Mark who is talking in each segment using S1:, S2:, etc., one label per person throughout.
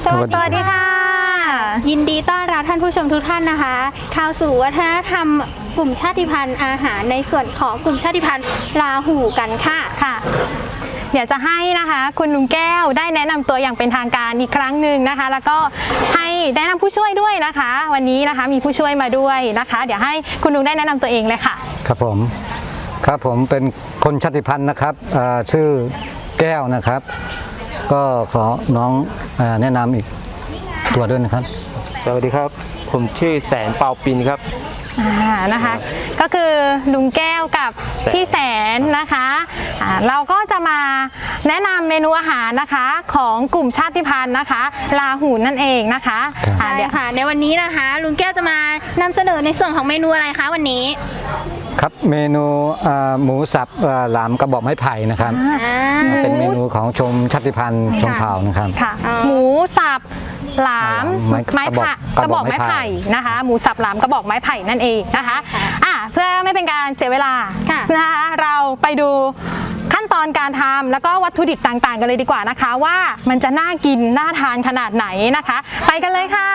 S1: สวัสดีค่ะ
S2: ยินดีต้อนรับท่านผู้ชมทุกท่านนะคะเข้าสู่วัฒนธรรมกลุ่มชาติพันธุ์อาหารในส่วนของกลุ่มชาติพันธุ์ลาหูกันค่ะ
S1: เดี๋ยวจะให้นะคะคุณลุงแก้วได้แนะนำตัวอย่างเป็นทางการอีกครั้งหนึ่งนะคะแล้วก็ให้แนะนำผู้ช่วยด้วยนะคะวันนี้นะคะมีผู้ช่วยมาด้วยนะคะเดี๋ยวให้คุณลุงได้แนะนำตัวเองเลยค่ะ
S3: ครับผมเป็นคนชาติพันธุ์นะครับชื่อแก้วนะครับก็ขอน้องแนะนำอีกตัวด้วยนะครับ
S4: สวัสดีครับผมชื่อแสนเปาปินครับ
S1: นะคะก็คือลุงแก้วกับพี่แสนนะคะเราก็จะมาแนะนำเมนูอาหารนะคะของกลุ่มชาติพันธุ์นะคะลาหูนั่นเองนะคะ
S2: ใช่ค่ะในวันนี้นะคะลุงแก้วจะมานำเสนอในส่วนของเมนูอะไรคะวันนี้
S3: ครับเมนูหมูสับหลามกระบอกไม้ไผ่นะครับเป็นเมนูของชมชาติพันธุ์ชมเผ่านะครับ
S1: หมูสับหลามไม้ไผ่กระบอกไม้ไผ่นะคะหมูสับหลามกระบอกไม้ไผ่นั่นเองนะคะเพื่อไม่เป็นการเสียเวลานะคะเราไปดูขั้นตอนการทำแล้วก็วัตถุดิบต่างๆกันเลยดีกว่านะคะว่ามันจะน่ากินน่าทานขนาดไหนนะคะไปกันเลยค่ะ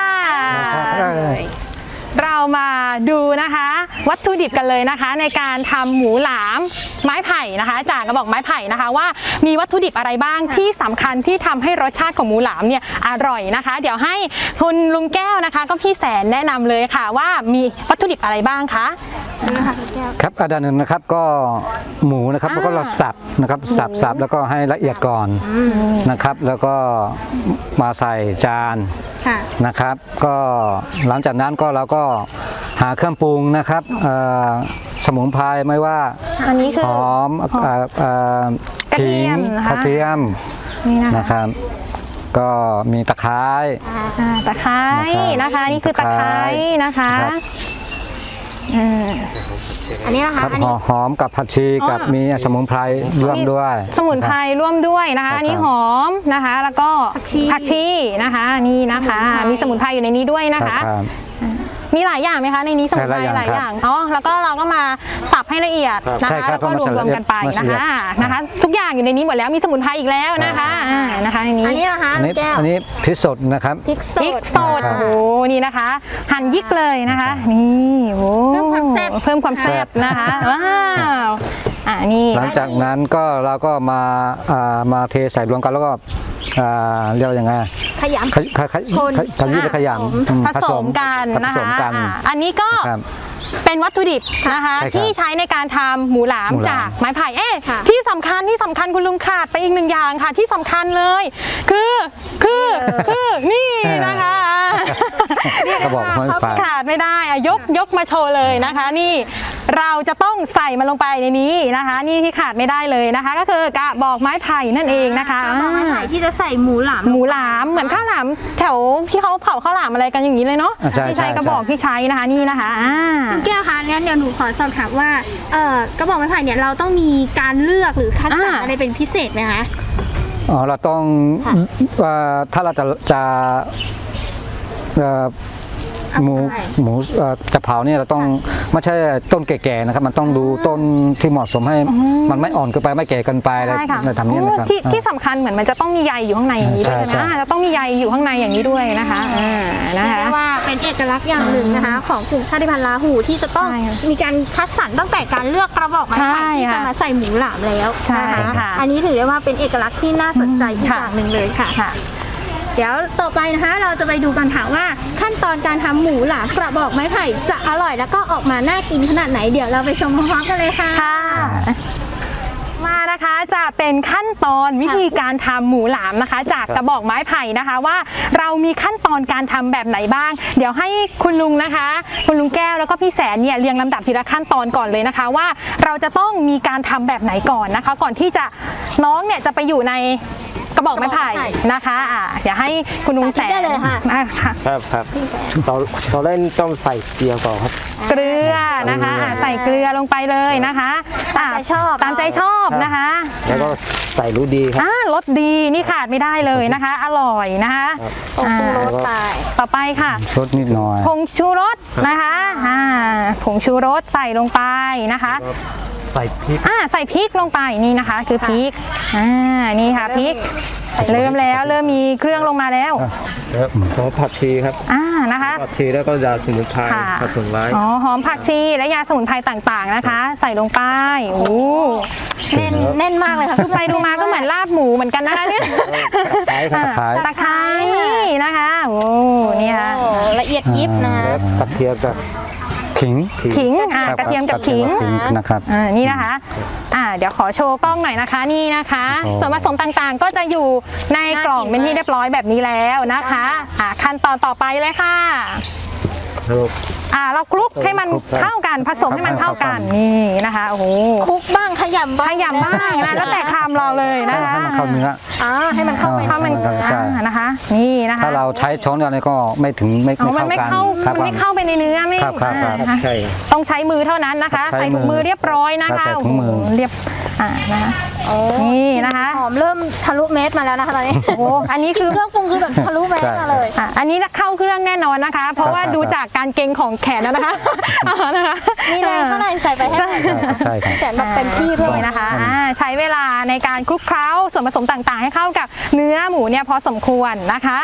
S1: เรามาดูนะคะวัตถุดิบกันเลยนะคะในการทำหมูหลามไม้ไผ่นะคะจากกระบอกไม้ไผ่นะคะว่ามีวัตถุดิบอะไรบ้างที่สำคัญที่ทำให้รสชาติของหมูหลามเนี่ยอร่อยนะคะเดี๋ยวให้คุณลุงแก้วนะคะก็พี่แสนแนะนำเลยค่ะว่ามีวัตถุดิบอะไรบ้างคะ
S3: ครับอันดับหนึ่งนะครับก็หมูนะครับแล้วก็เราสับนะครับสับแล้วก็ให้ละเอียดก่อนนะครับแล้วก็มาใส่จานนะครับก็หลังจากนั้นก็เราก็หาเครื่องปรุงนะครับสมุนไพรไม่ว่า
S1: อันนี้คือ
S3: หอมขิงกระเทียมนะครับก็มีตะไคร้
S1: นะคะนี่คือตะไคร้นะคะ
S2: อันนี้นะคะ
S3: หอมกับผักชีกับมีสมุนไพรร่วมด้วย
S1: สมุนไพรร่วมด้วยนะคะอันนี้หอมนะคะแล้วก็ผักชีนะคะนี่นะคะมีสมุนไพรอยู่ในนี้ด้วยนะคะมีหลายอย่างไหมคะในนี้สมุนไพรหลายอย่างแล้วก็เราก็มาสับให้ละเอียดนะคะแล้วก็รวมกันไปนะคะทุกอย่างอยู่ในนี้หมดแล้วมีสมุนไพรอีกแล้วนะคะในนี้
S2: อันนี้นะคะ
S3: อันนี้พริกสดนะครับ
S1: พริกสดโอ้โหนี่นะคะหั่นยิกเลยนะคะนี่โอ้เพิ่มความแซ่บนะคะว้าวนี่
S3: หลังจากนั้นก็เราก็มาเทใส่รวมกันแล้วก็เรียกว่ายังไง
S2: ขยำ
S3: ขยำ
S1: ผสมกันนะคะอันนี้ก็เป็นวัตถุดิบนะคะที่ใช้ในการทำหมูหลามจากไม้ไผ่ที่สำคัญคุณลุงขาดไปอีกหนึ่งอย่างค่ะที่สำคัญเลยคือนี่นะคะ
S3: กระบอกไม้ไผ่
S1: ขาดไม่ได้ยกมาโชว์เลยนะคะนี่เราจะต้องใส่มันลงไปในนี้นะคะนี่ที่ขาดไม่ได้เลยนะคะก็คือกระบอกไม้ไผ่นั่นเองนะคะ
S2: กระบอกไม้ไผ่ที่จะใส่หมูหลาม
S1: เหมือนข้าวหลามแถวที่เขาเผาข้าวหลามอะไรกันอย่างนี้เลยเนาะที่ใช้กระบอกที่ใช้นะคะนี่นะคะ
S2: แก้วคะงั้นเดี๋ยวหนูขอสอบถามว่ากระบอกไม้ไผ่เนี่ยเราต้องมีการเลือกหรือคัดสรรอะไรเป็นพิเศษไหมคะ
S3: เราต้องถ้าเราจะหมูจะเผาเนี่ยเราต้องไม่ใช่ต้นแก่ๆนะครับมันต้องดูต้นที่เหมาะสมให้มันไม่อ่อนเกินไปไม่แก่เกินไปอะไรทำนี้นะครับ
S1: ที่สำคัญเหมือนมันจะต้องมีใยอยู่ข้างในอย่างนี้ด้วยใช่ไหมจะต้องมีใยอยู่ข้างในอย่างนี้ด้วยนะคะ
S2: เรียกว่าเป็นเอกลักษณ์อย่างหนึ่งนะคะของกลุ่มชาติพันธุ์ลาหูที่จะต้องมีการคัดสรรตั้งแต่การเลือกกระบอกไม้ไผ่ที่จะมาใส่หมูหลามแล้วนะคะอันนี้ถือได้ว่าเป็นเอกลักษณ์ที่น่าสนใจอีกอย่างหนึ่งเลยค่ะเดี๋ยวต่อไปนะคะเราจะไปดูกันค่ะว่าขั้นตอนการทำหมูหลามกระบอกไม้ไผ่จะอร่อยแล้วก็ออกมาน่ากินขนาดไหนเดี๋ยวเราไปชมพร้อมๆกันเลยค่ะ
S1: มานะคะจะเป็นขั้นตอนวิธีการทำหมูหลามนะคะจากกระบอกไม้ไผ่นะคะว่าเรามีขั้นตอนการทำแบบไหนบ้างเดี๋ยวให้คุณลุงนะคะคุณลุงแก้วแล้วก็พี่แสนเนี่ยเรียงลำดับทีละขั้นตอนก่อนเลยนะคะว่าเราจะต้องมีการทำแบบไหนก่อนนะคะก่อนที่จะน้องเนี่ยจะไปอยู่ในกระบอกไม้ไผ่นะคะเดี๋ยวให้คุณลุงแสน
S2: ได้เลยค่ะ
S4: ครับตอนแรกต้องใส่เกลือก่อนครับ
S1: เกลือนะคะใส่เกลือลงไปเลยนะคะตามใจชอบนะคะ
S4: แล้วก็ใส่รสดีครับ
S1: รสดีนี่ขาดไม่ได้เลยนะคะอร่อยนะคะ
S2: ผงชูรสไป
S1: ต่อไปค่ะ
S3: รสนิดหน่อย
S1: ผงชูรสนะคะผงชูรสใส่ลงไปนะคะ
S4: ใส่พริก
S1: ใส่พริกลงไปนี่นะคะคือพริกนี่ค่ะพริกเริ่มมีเครื่องลงมาแล้ว
S4: แล้วหอมผักชีครับ
S1: นะคะ
S4: ผักชีแล้วก็ยาสมุนไพรผสมไว้
S1: หอมผักชีและยาสมุนไพรต่างๆนะคะ ใส่ลงไปโอ้
S2: แน่นมากเลยค่ะ
S1: ดูไปดูมาก็เหมือนลาบหมูเหมือนกันนะคะเนี่ย
S3: ตะไคร้
S1: ตะไคร้นะคะโอ้นี่ค่ะ
S2: ละเอียดยิบนะคะ
S4: แล้วกระเทียมกับ
S3: ขิง
S1: ขิงกระเทียมกับขิง
S3: นะครับ
S1: นี่นะคะเดี๋ยวขอโชว์กล้องหน่อยนะคะนี่นะคะ
S3: โอ้
S1: ส่วนผสมต่างๆ ก็จะอยู่ในกล่องเป็นที่เรียบร้อยแบบนี้แล้วนะคะขั้นตอนต่อไปเลยค่ะเราคลุกให้มันเข้ากันผสมให้มันเข้ากันนี่นะคะโอ้โห
S2: คลุกบ้างขยำบ้าง
S1: ขยำบ้างนะแล้วแต่คำเราเลยนะคะ
S3: ให้มันเข้าเนื้อ
S2: ให้มันเข้าไป
S1: เข้ามัน
S3: ใช่
S1: นะคะนี่นะคะ
S3: ถ้าเราใช้ช้อนเดียวนี่ก็ไม่ถึงไม่
S1: มันไม่
S3: เข้า
S1: เข้า
S3: กัน
S1: มันไม่เข้าไปในเนื้อไม่
S3: ครับครับ
S1: นะคะ
S4: ใช่
S1: ต้องใช้มือเท่านั้นนะคะ
S3: ใช้
S1: ใส่ถุงมือเรียบร้อยนะ
S3: ครั
S1: คะ
S3: บใส่ถุงมือ
S1: โโหเรียบนะคะนี่นะคะ
S2: หอมเริ่มทะลุเม็ดมาแล้วนะคะตอนนี้
S1: โอ้อันนี้คือ
S2: เครื่องปรุงคือแบบทะลุเม็ดมาเลย
S1: อันนี้เข้าเครื่องแน่นอนนะคะ เพราะว่าดูจากการเกรงของแขนแล้วนะคะนะคะ
S2: มีแรงเท่าไหร่ใส่ไปให้หมด
S3: ใช่ครับ
S2: แสนแบบเต็มที่เลย
S1: นี่นะคะใช้เวลาในการคลุกเคล้าส่วนผสมต่างๆ ให้เข้ากับเนื้อหมูเนี่ยพอสมควรนะคะ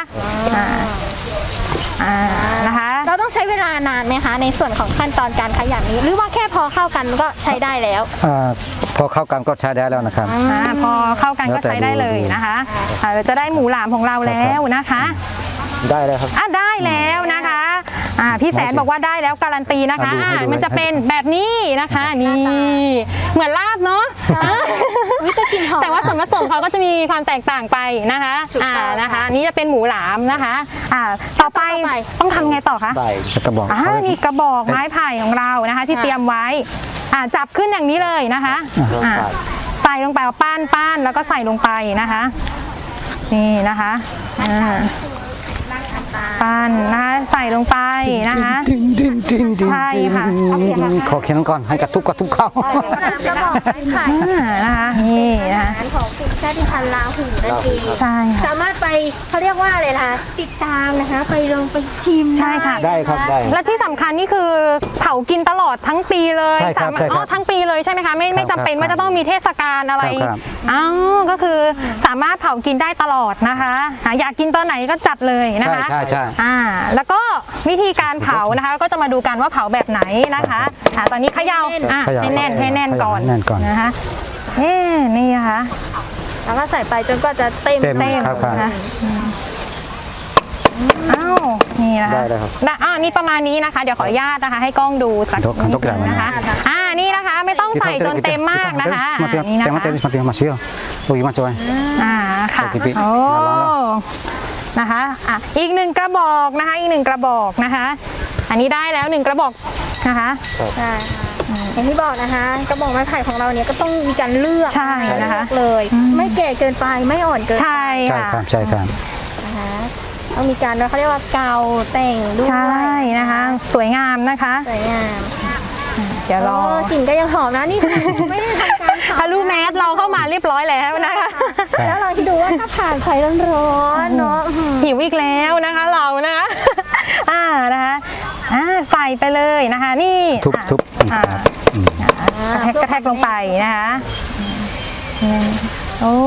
S1: นะคะ
S2: เราต้องใช้เวลานานไหมคะในส่วนของขั้นตอนการขยำนี้ หรือว่าแค่พอเข้ากันก็ใช้ได้แล้ว
S3: พอเข้ากันก็ใช้ได้แล้วนะครับ
S1: พอเข้ากันก็ใช้ได้เลยนะคะเราจะได้หมูหลามของเราแล้วนะคะ
S4: ได้เลยครับ
S1: ได้แล้วนะคะพี่แสนบอกว่าได้แล้วการันตีนะคะ
S3: ให้ดู
S1: มันจะเป็นแบบนี้นะคะนี่เหมือนลาบเนาะ
S2: วิตากลินหอม
S1: แต่ว่าส่วนผสมเขาก็จะมีความแตกต่างไปนะคะ
S2: ถูกต้อง
S1: นะคะอันนี่จะเป็นหมูหลามนะคะต่อไปต้องทำไงต่อคะ
S4: ใส่
S3: ชักกระบอก
S1: นี่กระบอกไม้ไผ่ของเรานะคะที่เตรียมไว้จับขึ้นอย่างนี้เลยนะคะใส่ลงไปเอาป้านแล้วก็ใส่ลงไปนะคะนี่นะคะปั้นนะคะใส่ลงไปนะคะใช่ค่ะ
S3: ขอเขียนก่อนให้กระทุกเข้า
S2: กระบอกไม้ไผ่
S1: นะคะนี่นะคะ
S2: อาหารของกลุ่มชาติพันธุ์ลาหูนั่นเอง
S1: ใช่ค่ะ
S2: สามารถไปเขาเรียกว่าอะไรล่ะติดตามนะคะ ไปลงไปชิม
S1: ใช่ค่ะ
S4: ได้ครับได้
S1: และที่สำคัญนี่คือเผากินตลอดทั้งปีเลย
S3: ใช่ครับ
S1: สามารถ
S3: ใช่ครับ
S1: ทั้งปีเลยใช่ไหมคะไม่จำเป็นว่าจะต้องมีเทศกาลอะไร
S3: ครับ
S1: ก็คือสามารถเผากินได้ตลอดนะคะอยากกินตอนไหนก็จัดเลยนะคะ
S3: ใช่
S1: แล้วก็วิธีการเผานะคะก็จะมาดูกันว่าเผาแบบไหนนะคะตอนนี้เขย่าให้แน่นก่อนนะคะนี่นะคะ
S2: แล้วก็ใส่ไปจนกว่าจะเต็ม
S3: เต็มครับ
S1: นะคะนี่นะคะ
S4: ได้เลยครับ
S1: นี่ประมาณนี้นะคะ เดี๋ยวขออนุญาตนะคะ ให้กล้องดูสักนิดนึงนะคะนี่นะคะไม่ต้องใส่จนเต็มมากนะคะนี่นะคะ
S3: มามาเชียวโอ้ยมาจอย
S1: ค่ะ
S3: โอเคพี่
S1: โอ้นะคะอีกหนึ่งกระบอกนะคะอีกหนึ่งกระบอกนะคะ อันนี้ได้แล้วหนึ่งกระบอกนะคะ
S2: ใช่ค่ะอย่างที่บอกนะคะกระบอกไม้ไผ่ของเราเนี่ยก็ต้องมีการเลือก
S1: ใช่นะคะ
S2: เลือกเลย ไม่แก่เกินไปไม่อ่อนเกินไป
S1: ใช่
S3: ใช่
S1: ค่ะ
S3: ครับใช่ครับ
S2: นะคะต้องมีการเขาเรียกว่าเกาแต่งด้วย
S1: ใช่นะคะ สวยงามนะคะ
S2: สวยงาม
S1: เดี๋ยวรอก
S2: ลิ่นก็ยังหอมนะนี่คือไม่ได้ทำการเผา
S1: ทะลุแมสเราเข้ามาเรียบร้อยแล้วนะคะ
S2: แล้วเราที่ดูว่าถ้าผ่านไฟร้อนๆเนาะ
S1: หิวอีกแล้วนะคะเรานะคะนะคะใส่ไปเลยนะคะ นี่
S3: ทุบ
S1: กระแทกลงไปนะคะโอ้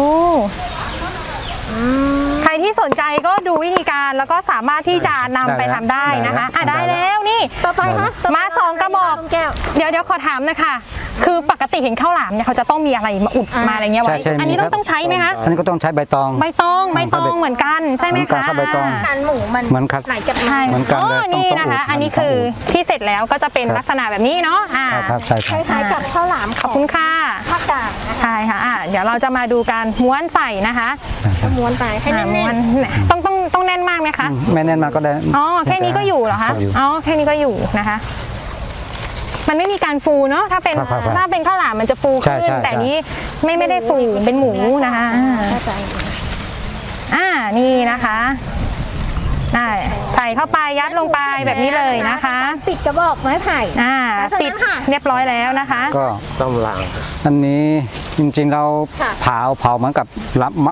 S1: ใครที่สนใจก็ดูวิธีการแล้วก็สามารถที่จะนำไปทำได้นะคะได้แล้วนี่
S2: ต่อไปคะ
S1: มา2กระบอก
S2: แก้ว
S1: เดี๋ยวขอถามนะคะคือปกติเห็นข้าวหลามเนี่ยเขาจะต้องมีอะไรมาอุดมาอะไรเงี้ยไว้อันนี้ต้องใช้ไหมคะ
S3: อันนี้ก็ต้องใช้ใบตอง
S1: ใบตองเหมือนกันใช่ไหม
S3: เหมือนกั
S1: คะ
S3: นครับใบตอง
S2: การหมูมัน
S3: เหมือนครับ
S2: ไหลจาก
S1: ใช่
S3: เหมือนกันเลย
S1: นี่นะคะ
S3: ต้อง
S1: อันนี้คือที่เสร็จแล้วก็จะเป็นลักษณะแบบนี้เนาะ
S3: ครับใช่ครับ
S2: คล้ายๆกับข้าวหลาม
S1: ขอบคุณค่ะ
S2: ภาคกลางนะคะ
S1: ใช่ค่ะเดี๋ยวเราจะมาดูการม้วนใส่นะคะ
S2: ม้วนไปให้แน่
S1: ม้วน นต้องแน่นมากไหมคะ
S3: ไม่แน่นมากก็ได้
S1: แค่นี้ก็อยู่เหรอคะ
S3: อยู่
S1: แค่นี้ก็อยู่นะคะ มันไม่มีการฟูเนาะถ้าเป็น
S3: ครับ
S1: ข้าวหลามมันจะฟู
S3: ใช่
S1: ขึ้น
S3: ใช่
S1: แต่นี้ไม่ได้ฟูเป็นหมูนะคะ
S2: เข้าใจ
S1: นี่นะคะใส่เข้าไปยัดลงไปแบบนี้เลยนะคะ
S2: ปิดกระบอกไม้ไผ่
S1: ปิดเรียบร้อยแล้วนะคะ
S3: ก็
S4: ต้องล้าง
S3: อันนี้จริงๆเรา
S2: ค่ะ
S3: เผาเหมือนกับ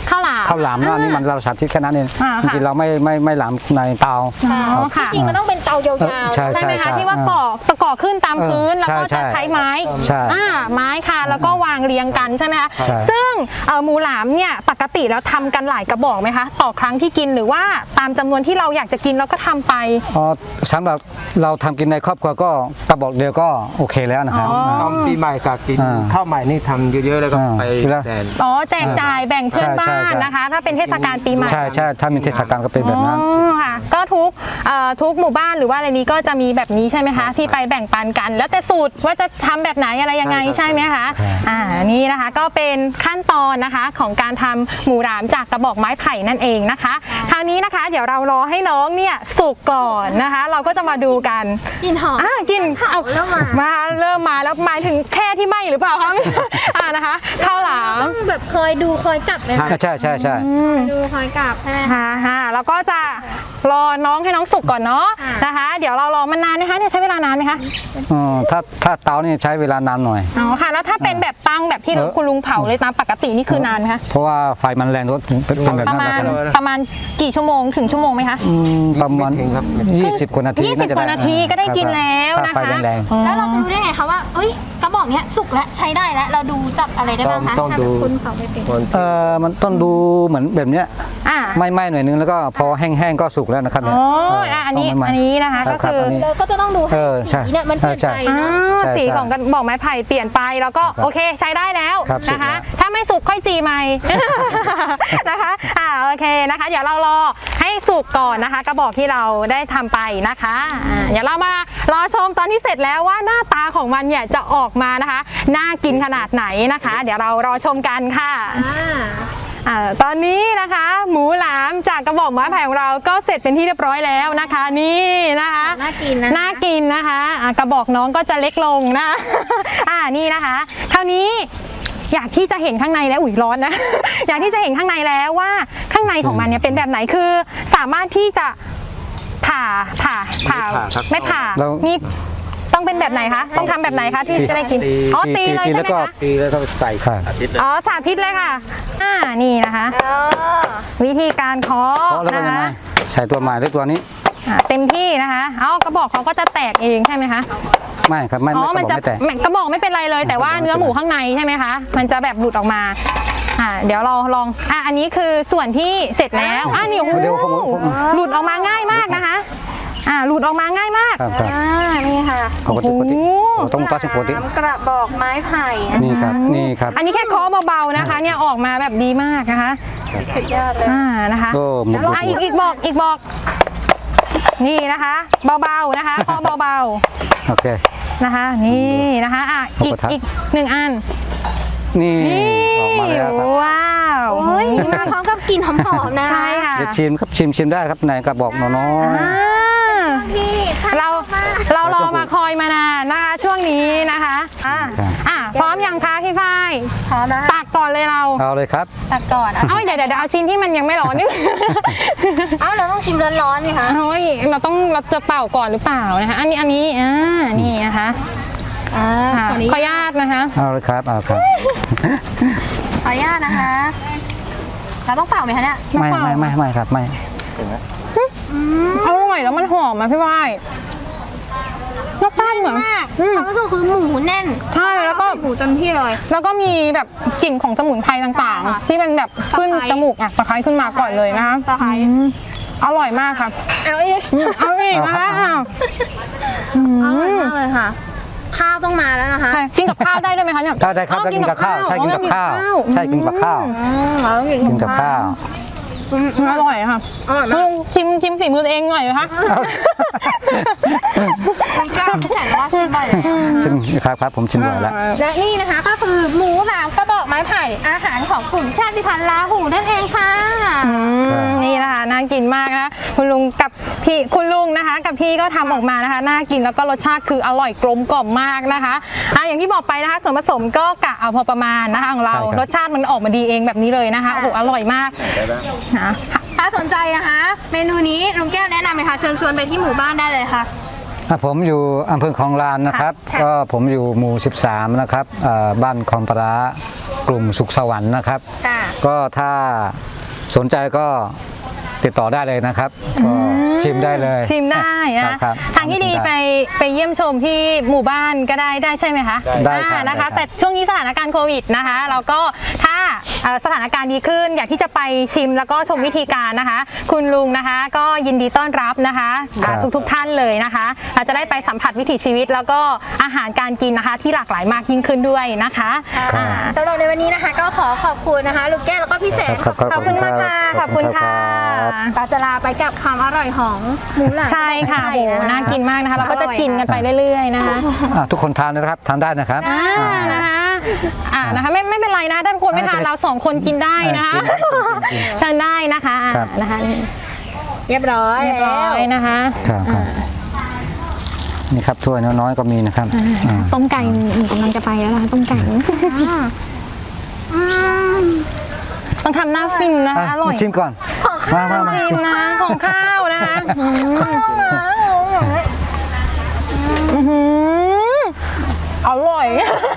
S1: ข้าวหลาม
S3: ข้าวหลามนะอันนี้มันเราสาธิตแค่นั้นเอง
S1: อ่า
S3: จ
S1: ค่ะ
S3: ริงๆเราไม่หลามในเตา
S1: อ๋อค่ะ
S2: จริงๆมันต้องเป็นเตายาว
S3: ใช่
S1: ใช่ไหมคะ
S3: ใช่
S1: ที่ว่าก่อขึ้นตามพื้นแล้วก็
S3: ใช่
S1: จะใช้ไม้
S3: ใช่
S1: ไม้ค่ะแล้วก็วางเรียงกันใช่ไหมคะ
S3: ใช่
S1: ซึ่งหมูหลามเนี่ยปกติแล้วทำกันหลายกระบอกไหมคะต่อครั้งที่กินหรือว่าตามจำนวนที่เราอยากจะกินเราก็ทำไป
S3: อ๋อสำหรับเราทำกินในครอบครัวก็กระบอกเดียวก็โอเคแล้วนะครับ
S1: อ๋อ
S4: ตอนปีใหม่กับกิน
S3: อ่า
S4: ข้าวใหม่นี่ทำเยอะๆแล้วก็
S3: อ่า
S4: ไป
S3: แล้ว
S4: แดน
S1: อ๋อแจกจ่ายแบ่งเพื่อน
S3: ใช่
S1: บ้า
S3: ใช่
S1: น
S3: ใช่
S1: นะคะ ถ้าเป็นเทศกาลปีใหม่
S3: ใช่ใช่ถ้ามีเทศกาลก็เป็นแบบนั้น
S1: อ๋อค่ะก็ทุกหมู่บ้านหรือว่าอะไรนี้ก็จะมีแบบนี้ใช่ไหมคะที่ไปแบ่งปันกัน แล้วแต่สูตรว่าจะทำแบบไหนอะไรยังไงใช่ไหมคะ
S3: ใช่
S1: นี่นะคะก็เป็นขั้นตอนนะคะของการทำหมูหลามจากกระบอกไม้ไผ่นั่นเองนะคะคราวนี้นะคะเดี๋ยวเรารอให้น้องเนี่ยสุกก่อนนะคะ เราก็จะมาดูกัน
S2: ๆกลิ่นหอม
S1: กินเอา
S2: เริ่มมา
S1: เริ่มมาแล้วหมายถึงแค่ที่ไหมหรือเปล่าคะนะคะข้าวหลาม
S2: ต้องแบบเคยดูเคยจับไหมคะ
S3: ใช่ใช่ใช่
S2: ดูเคยจับใช่ไหมคะ
S1: ค่ะแล้วก็จะรอน้องให้น้องสุกก่อนเนาะ
S2: ค่ะ
S1: นะคะ เดี๋ยวเรารอมันนานไหมคะเนี่ยใช้เวลานานไหมคะ
S3: ถ้าเตานี่ใช้เวลานานหน่อย
S1: อ๋อค่ะแล้วถ้าเป็นแบบตั้งแบบที่คุณลุงเผาเลยตามปกตินี่คือนานไหมคะ
S3: เพราะว่าไฟมันแรงก็เป็นแบบ
S1: ประ
S3: นั้น
S1: มาณ
S3: นะครับ
S1: ประมาณกี่ชั่วโมงถึงชั่วโมงไหมคะ
S3: ประมาณ
S4: ไม่ถึงครับ
S3: 20 กว่านาที
S1: 20 กว่านาทีก็ได้กินแล้วนะคะ
S3: ถ้าไฟแรง
S2: แล้วเราจะรู้ได้ไงคะว่าเอ้ยกระบอกเนี้ยสุกแล้วใช้ได้แล้วเราดูจับอะไรได้บ้างคะ
S4: ต้อง
S2: ถ้า
S4: ดู
S2: คุณเผาไม่เป็น
S4: คน
S3: มันต้องดูเหมือนแบบเนี้ย
S1: อ่า
S3: ไหม้ๆหน่อยนึงแล้วก็พอแห้งๆก็สุกแล้วนะครับ
S1: อ๋
S3: เนี่ย
S1: ออันนี้
S3: ต้งไหม้ๆ
S1: อันนี้นะคะ
S3: ครั
S1: ก็
S3: บครับ
S1: คือ
S3: อันนี้
S2: เราก็จะต้องดูให้
S3: ใช่
S2: สีเนี่ยมันเปลี่ยน
S3: ใช่
S2: ไป
S1: อ่า
S2: เนาะ
S3: ใช่
S1: สีของกระบอกไม้ไผ่เปลี่ยนไปแล้วก็
S3: ครับ
S1: โอเคใช้ได้แล้ว
S3: ครับสุก
S1: นะคะ
S3: แล้ว
S1: ถ้าไม่สุกค่อยจีใหม่ นะคะโอเคนะคะ เดี๋ยวเรารอให้สุกก่อนนะคะ กระบอกที่เราได้ทำไปนะคะเดี๋ยวเรามารอชมตอนที่เสร็จแล้วว่าหน้าตาของมันเนี่ยจะออกมานะคะน่ากินขนาดไหนนะคะ เดี๋ยวเรารอชมกันค่ะ ตอนนี้นะคะหมูหลามจากกระบอกไม้ไผ่ของเราก็เสร็จเป็นที่เรียบร้อยแล้วนะคะนี่นะคะ
S2: น่ากินนะ
S1: น่ากินนะคะกระบอกน้องก็จะเล็กลงนะ นี่นะคะคราวนี้อยากที่จะเห็นข้างในแล้วอุ๊ยร้อนนะ อยากที่จะเห็นข้างในแล้วว่าข้างในของมันเนี่ยเป็นแบบไหนคือสามารถที่จะผ่าไม่ผ่า
S3: แล้ว
S1: นี่ต้องเป็นแบบไหนคะต้องทำแบบไหนคะที่จะได้กินอ๋อตีเลยใช่ไหมคะ
S4: ตีแล้วก็ใส่
S3: ค่ะ
S4: อาทิตย์เลย
S1: อ๋อสาธิตเลยค่ะนี่นะคะ วิธีการเคาะ
S3: เพราะแล้วก็
S1: นะ
S3: ยังไง
S1: คะ
S3: ใส่ตัวใหม่ด้วยตัวนี้
S1: เต็มที่นะคะกระบอกเขาก็จะแตกเองใช่ไหมคะ
S3: ไม่ครับไม่
S1: อ๋อ
S3: ไม่
S1: มัน
S3: ก
S1: จะ
S3: ระบอกไม่แตก
S1: กระบอกไม่เป็นไรเลย แต่ว่าเนื้อหมูข้างในใช่ไหมคะมันจะแบบหลุดออกมาเดี๋ยวเราลองอันนี้คือส่วนที่เสร็จแล้วนี่โอ้โห
S3: เดี๋ยวผม
S1: หลุดออกมาง่ายมากนะคะหลุดออกมาง่ายมาก
S3: ครับครับ
S2: นี่ค่ะ
S3: ปกติปกติ
S1: โอ้โห
S3: ต้องตัดปกติ
S2: น้ำกระบอกไม้ไผ่
S3: นี่ครับนี่ครับ
S1: อันนี้แค่เคาะเบาๆนะคะเนี่ยออกมาแบบดีมากนะคะ
S2: สุดยอดเลย
S1: นะคะ
S3: โอ้หมุน
S1: อีกบอกนี่นะคะเบาๆนะคะเคาะเบาๆ
S3: โอเค
S1: นะคะนี่นะคะอีกหนึ่งอัน
S3: นี่ออกมาแล้วครับ
S1: ว้าว
S2: โอ้ยมาพร้อมกับกลิ่นหอมๆนะ
S1: ใช่ค่ะ
S3: เดี๋ยวชิมครับชิมได้ครับไหนกระบอกน้อย
S1: อ่า
S2: พี่
S1: เรารอมาคอยมานานนะคะช่วงนี้นะคะพร้อมยังคะพี่ฝ้าย
S2: พร้อมแล้ว
S1: ตักก่อนเลยเรา
S3: เอาเลยครับ
S2: ตัดก่อน
S1: เดี๋ยวเอาชิ้นที่มันยังไม่ร้อนนี่
S2: เราต้องชิมร้อนๆนี่คะ
S1: เราจะเป่าก่อนหรือเปล่านะคะอันนี้นี่นะคะขออนุญาตนะคะ
S3: เอาเลยครับเอาครับ
S2: ขออนุญาตนะคะ เราต้องเป่าไหมคะเนี่ย
S3: ไม่ครับไม่
S1: อร่อยแล้วมันหอมอ่ะพี่ฝ้ายรสชาติเหมือน
S2: มากความรู้สึกคือหมูแน่น
S1: ใช่แล้วก็
S2: หมูเต็มที่เลย
S1: แล้วก็มีแบบกลิ่นของสมุนไพรต่าง
S2: ค่ะ
S1: ๆ ที่มันแบบขึ้น
S2: ตะไคร้
S1: จมูกตะไคร้ขึ้นมาก่อนเลยนะคะ
S2: ตะไคร้
S1: อร่อยมากค่ะ
S2: เอาอีก
S1: เอาอีกนะคะ
S2: อร่อยมากเลยค่ะ ข้าวต้องมาแล้วนะคะ
S1: กินกับข้าวได้ด้วยไหมคะเนี่ย
S3: ได้ครับได้กินกับข้าวใช่กินกับข้าวใช่กินกับข้าว
S2: เราต้องกิน
S3: กินกับข้าว
S1: อร่อยค่ะ
S2: อร่อยมาก
S1: ชิมฝีมือตัวเองหน่อยนะคะ
S2: คุณกล้าไม่ใส่ว่าชิมบ่อยเลย
S3: ชิมครับผมชิมบ่อยแล้ว
S2: และนี่นะคะก็คือหมูหลามกระบอกไม้ไผ่อาหารของกลุ่มชาติพันธุ์ลาหูนั่นเองค่ะ
S1: นี่นะคะน่ากินมากนะคุณลุงกับพี่คุณลุงนะคะกับพี่ก็ทำออกมานะคะน่ากินแล้วก็รสชาติคืออร่อยกลมกล่อมมากนะคะอย่างที่บอกไปนะคะส่วนผสมก็กะเอาพอประมาณนะคะของเรา
S3: ใช่ครับ
S1: รสชาติมันออกมาดีเองแบบนี้เลยนะคะโอ้โหอร่อยมากนะ
S2: ถ้าสนใจนะคะ เมนูนี้ลุงแก้วแนะนำเลยค่ะเชิญชวนไปที่หมู่บ้านได้เลยค่ะ
S3: ผมอยู่อำเภอคลองลานนะครับ ก็ผมอยู่หมู่ 13 นะครับบ้านคลองปลาร้ากลุ่มสุขสวรรค์นะครับ
S2: ค่ะ
S3: ก็ถ้าสนใจก็ติดต่อได้เลยนะครับก็ชิมได้เลย
S1: ชิมได้นะครับ ทางที่ดี
S3: ชิม
S1: ไปเยี่ยมชมที่หมู่บ้านก็ได้ใช่ไหมคะ
S3: ได้ครับ
S1: นะคะ
S3: ได้ครับ
S1: แต่ช่วงนี้สถานการณ์โควิดนะคะเราก็ถ้าสถานการณ์ดีขึ้นอยากที่จะไปชิมแล้วก็ชมวิธีการนะคะ คุณลุงนะคะก็ยินดีต้อนรับนะคะทุกท่านเลยนะคะเราจะได้ไปสัมผัสวิถีชีวิต แล้วก็อาหารการกินนะคะที่หลากหลายมากยิ่งขึ้นด้วยนะคะ
S3: ครับ
S2: สำหรับในวันนี้นะคะก็ขอบคุณนะคะลูกแก้วแล้วก็พี่แสน
S3: ครับ
S1: ขอบคุณมากค่ะขอบคุณค่ะ
S2: ปาจะลาไปกับความอร่อยของหมูหลาม
S1: ใช่ค่ะ
S2: ไท
S1: โห
S2: ยนะคะ
S1: น่ากินมากนะคะเราก็จะกินกันไปเรื่อยๆนะคะ
S3: ทุกคนทานนะครับทานได้นะครับ
S1: นะคะไม่เป็นไรนะถ้าคนไม่ทานเราสองคนกินได้นะคะทานได้นะคะ
S3: ครับ
S1: นะคะ
S2: เรียบร้อย
S1: เรียบร้อยนะคะ
S3: ครับนี่ครับถ้วยน้อยๆก็มีนะครับ
S1: ต้มไก่หนูกำลังจะไปแล้วนะคะต้มไก่ต้องทำหน้าฟินนะคะอร่อย
S3: ชิมก่อนมา
S1: ชิมนะของข้าวนะคะอร่อย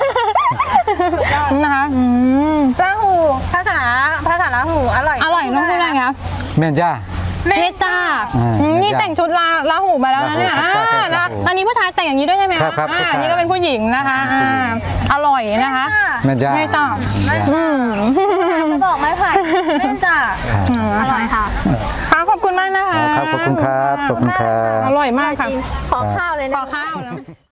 S1: นะคะ
S2: ลาหูภาษาลาหูอร่อย
S1: อร่อยต้องพูดอะไรคะ
S3: เมนจ้า
S1: เมตานี่แต่งชุดลาหูมาแล้วนะเนี่ย
S3: ลาหูครับ
S1: นะอันนี้ผู้ชายแต่งอย่างนี้ด้วยใช่ไหม
S3: ครับ
S1: อันนี้ก็เป็นผู้หญิงนะคะอร่อยนะคะ
S3: เมนจ้า
S1: เมตา
S2: จะบอกไม้ไผ่เล่นจ้ะอร่อยค่ะ
S1: ค่ะขอบคุณมากนะคะ
S3: ครับขอบคุณครับขอบคุณครับ
S1: อร่อยมากค่ะ
S2: ขอข้าวเลย
S1: ข
S2: นะ
S1: อข้าวนะ